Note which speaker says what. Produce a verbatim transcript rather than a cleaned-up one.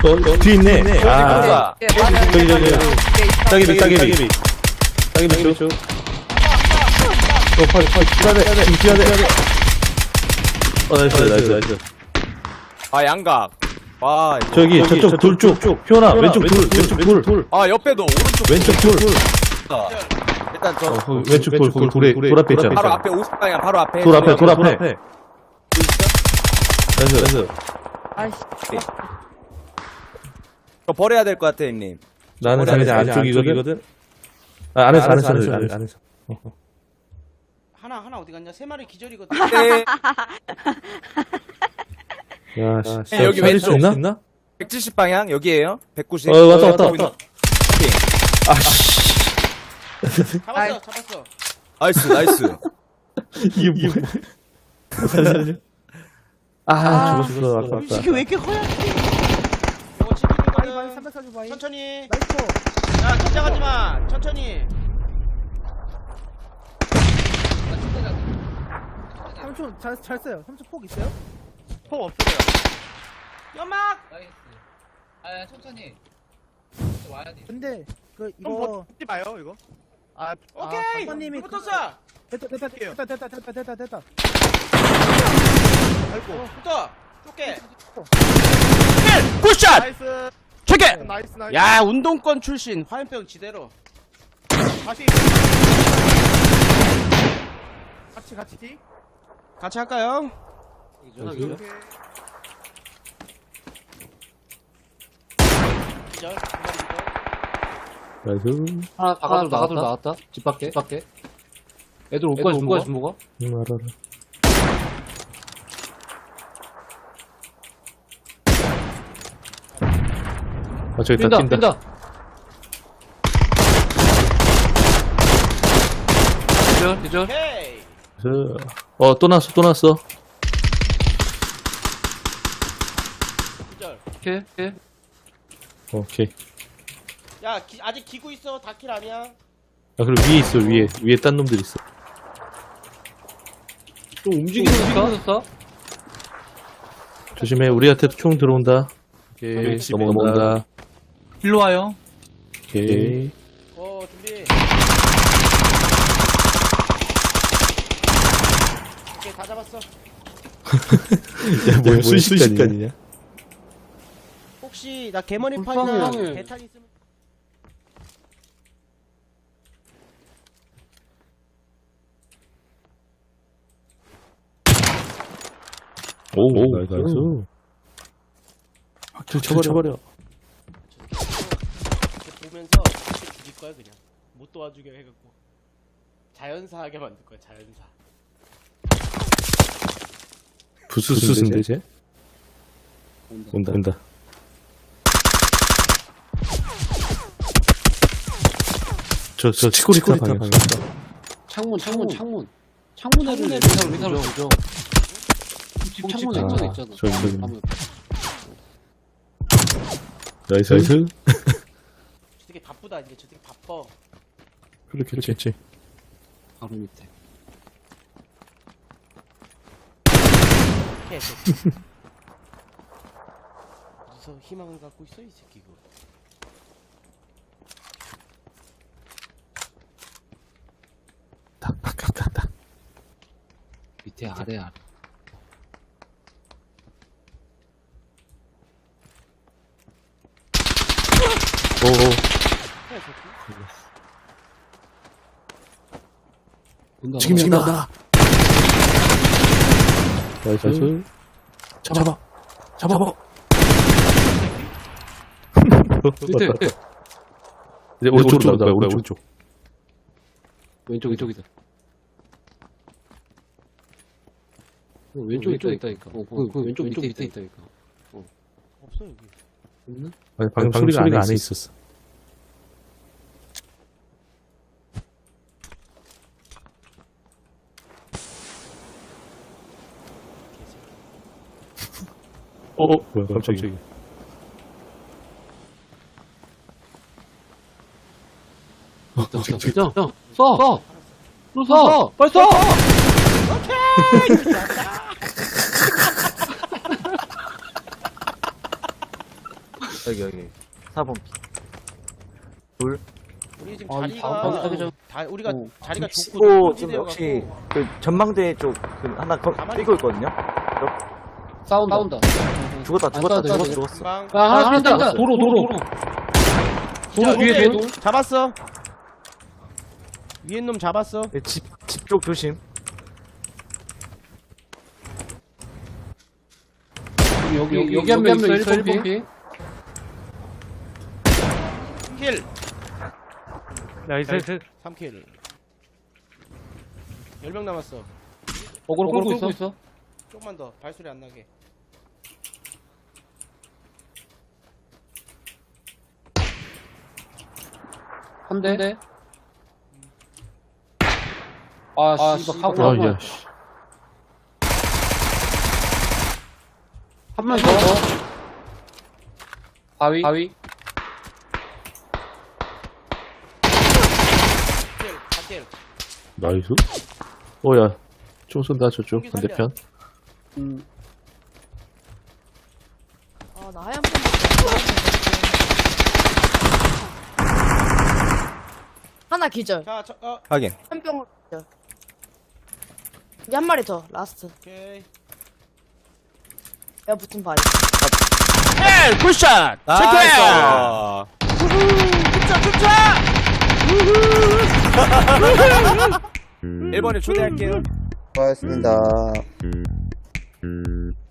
Speaker 1: 어, 뒤에 있네. 아,
Speaker 2: 예,
Speaker 1: 저기, 저기, 따개비, 따개비. 따개비 쪽. 어, 팔, 팔, 뛰어야 돼. 지금 뛰어야 돼. 어, 나이스, 나이스, 나이스.
Speaker 3: 아, 양각. 와, 이거.
Speaker 1: 저기, 저쪽 돌 쪽. 피오나, 왼쪽 돌, 왼쪽 돌.
Speaker 3: 아, 옆에도 오른쪽.
Speaker 1: 왼쪽 돌.
Speaker 3: 일단 저.
Speaker 1: 어, 거기 왼쪽 돌, 거기 돌에, 돌 앞에 있잖아.
Speaker 3: 바로 앞에 오십 방향, 바로 앞에.
Speaker 1: 돌 앞에, 돌 앞에. 나이스, 나이스.
Speaker 2: 아이씨.
Speaker 3: 저 버려야 될 것 같아, 형님.
Speaker 1: 나는 자기 안쪽이거든. 아, 안에서, 안에서, 안에서, 안에서. 안에서.
Speaker 4: 하나 하나 어디 갔냐? 세 마리 기절이거든.
Speaker 3: 네.
Speaker 1: 야, 씨.
Speaker 3: 여기
Speaker 1: 살릴 수
Speaker 3: 왼쪽.
Speaker 1: 있나?
Speaker 3: 백칠십 방향, 여기에요. 백구십.
Speaker 1: 어, 왔다, 왔다, 왔다. 아, 씨.
Speaker 4: 잡았어, 잡았어.
Speaker 3: 나이스, 나이스.
Speaker 1: 이게 뭐야? 살려줘. 아, 죽었어. 아깝다.
Speaker 4: 이게 왜 이렇게 허약해? 이거 치킨이거든.
Speaker 2: 삼백사십 바이.
Speaker 4: 천천히.
Speaker 2: 나이스.
Speaker 4: 야, 긴장하지 마. 천천히.
Speaker 2: 삼촌 잘, 잘 써요. 삼촌 폭 있어요?
Speaker 4: 폭 없어요. 연막.
Speaker 5: 나이스. 아, 천천히. 와야 돼.
Speaker 2: 근데 그
Speaker 4: 좀
Speaker 2: 이거
Speaker 4: 버티지 마요, 이거. 아, 오케이.
Speaker 2: 박사님이
Speaker 4: 불 붙었어.
Speaker 2: 됐다 됐다 됐다 됐다 됐다 됐다 됐다.
Speaker 4: 아이고. 붙어. 쫓게.
Speaker 3: 굿샷!
Speaker 4: 나이스.
Speaker 3: 체계!
Speaker 4: 나이스, 나이스. 야, 운동권 출신. 화염병 지대로. 다시.
Speaker 2: 같이 같이.
Speaker 4: 같이 할까요?
Speaker 1: 오케이.
Speaker 4: 기절.
Speaker 1: 나이스.
Speaker 5: 하나, 바깥으로 나갔다. 나갔다. 집 밖에. 집 밖에. 애들 올 거야, 올 거야, 준 거가?
Speaker 1: 응, 알아, 알아. 아, 저기 있다,
Speaker 5: 뛴다,
Speaker 1: 뛴다.
Speaker 5: 뛴다. 기절, 기절.
Speaker 4: 오케이.
Speaker 1: 저, 어, 또 났어, 또 났어.
Speaker 4: 기절.
Speaker 5: 오케이, 오케이.
Speaker 1: 오케이.
Speaker 4: 야, 기, 아직 기고 있어. 다킬 아니야.
Speaker 1: 아, 그리고 위에 있어, 위에. 위에 딴 놈들 있어.
Speaker 5: 좀 움직이는 거
Speaker 1: 조심해, 우리한테도 총 들어온다. 오케이, 넘어간다.
Speaker 5: 일로 와요.
Speaker 1: 오케이.
Speaker 4: 어, 준비. 오케이, 다 잡았어.
Speaker 1: 야, 뭐야, 순식간이냐?
Speaker 4: 혹시 나 개머리판이나
Speaker 5: 불쌍해.
Speaker 4: 배탄 있으면
Speaker 1: 오, 오, 나이스. 나이스. 확 쳐버려. 쳐버려.
Speaker 4: 이렇게 보면서 이렇게 죽일 거야 그냥. 못 도와주게 해갖고 자연사하게 만들 거야 자연사.
Speaker 1: 부스스인데, 쟤? 온다, 온다. 저, 저, 치코리타 방향.
Speaker 5: 창문, 창문, 창문. 창문 애들 의사로, 의사로 보죠. 집 창문에
Speaker 1: 아,
Speaker 5: 창문에 있잖아.
Speaker 1: 저기, 저기.
Speaker 5: 아무-
Speaker 1: 나이스, 나이스.
Speaker 4: 저 되게 바쁘다 이제 저 되게 바빠.
Speaker 1: 그렇게, 그렇지.
Speaker 5: 바로 밑에.
Speaker 4: 해. 저. 어디서 희망을 갖고 있어 이 새끼 이거.
Speaker 1: 딱, 딱, 딱, 딱, 딱.
Speaker 5: 밑에 아래 아래.
Speaker 1: 오, 오.
Speaker 4: 해 새끼.
Speaker 5: 온다.
Speaker 1: 지금이야, 나. 나이스, 나이스. 잡아. 잡아. 잡아.
Speaker 5: 밑에, 밑에.
Speaker 1: 이제 오른쪽으로 나올 거야, 오른쪽.
Speaker 5: 왼쪽 이쪽이다. 어, 왼쪽 왼쪽 있다니까. 어, 그, 그 왼쪽 왼쪽 밑에 있다니까.
Speaker 4: 없어 여기.
Speaker 5: 없나?
Speaker 1: 아니, 방금, 방금 소리가, 소리가 안에 있었어. 어, 어, 뭐야, 깜짝이야.
Speaker 5: 있다, 있다. 진짜? 야, 쏴! 쏴! 너 쏴! 빨리 쏴!
Speaker 1: 여기 여기 사 번 둘
Speaker 4: 우리 지금
Speaker 5: 아,
Speaker 4: 자리가
Speaker 5: 다음 자기장.
Speaker 4: 다 우리가
Speaker 5: 오.
Speaker 4: 자리가
Speaker 6: 치고
Speaker 4: 좋고
Speaker 6: 지금
Speaker 4: 찌대여
Speaker 6: 역시
Speaker 4: 갖고
Speaker 6: 그 전망대 쪽 그 하나 거,
Speaker 4: 가만히
Speaker 6: 뛰고
Speaker 4: 있어.
Speaker 6: 있거든요.
Speaker 5: 싸운다. 싸운다.
Speaker 6: 죽었다
Speaker 5: 안
Speaker 6: 죽었다
Speaker 5: 싸워도
Speaker 6: 죽었어
Speaker 5: 돼.
Speaker 6: 죽었어.
Speaker 4: 금방
Speaker 5: 야, 하나
Speaker 6: 하나
Speaker 5: 뛴다.
Speaker 6: 뛴다.
Speaker 5: 도로, 도로. 도로 뒤에
Speaker 4: 오케이.
Speaker 5: 돌.
Speaker 4: 잡았어. 위에 놈 잡았어.
Speaker 6: 집집 쪽 조심.
Speaker 5: 여기, 여기, 여기 한 명 있어. 일 번 피.
Speaker 4: 킬.
Speaker 1: 나이스
Speaker 4: 삼 킬. 열 명 남았어.
Speaker 5: 어그로 끌고 있어. 있어.
Speaker 4: 조금만 더 발소리 안 나게.
Speaker 5: 한 대. 아, 씨발, 하고 한 번.
Speaker 1: 아야 씨
Speaker 5: 한 명 더. 바위. 바위.
Speaker 4: 킬. 사 킬.
Speaker 1: 나이스 오야 총 쏜다 저쪽
Speaker 4: 총기 살려.
Speaker 1: 반대편
Speaker 5: 음.
Speaker 7: 아, 나 하얀 펜. 하나 기절.
Speaker 4: 자, 저, 어,
Speaker 3: 확인.
Speaker 7: 한 병 기절. 이제 한 마리 더. 라스트.
Speaker 4: 오케이.
Speaker 7: 내가 붙은 바위.
Speaker 4: 킬! 굿샷!
Speaker 3: 나이스. 일 번에 초대할게요.
Speaker 8: 고맙습니다.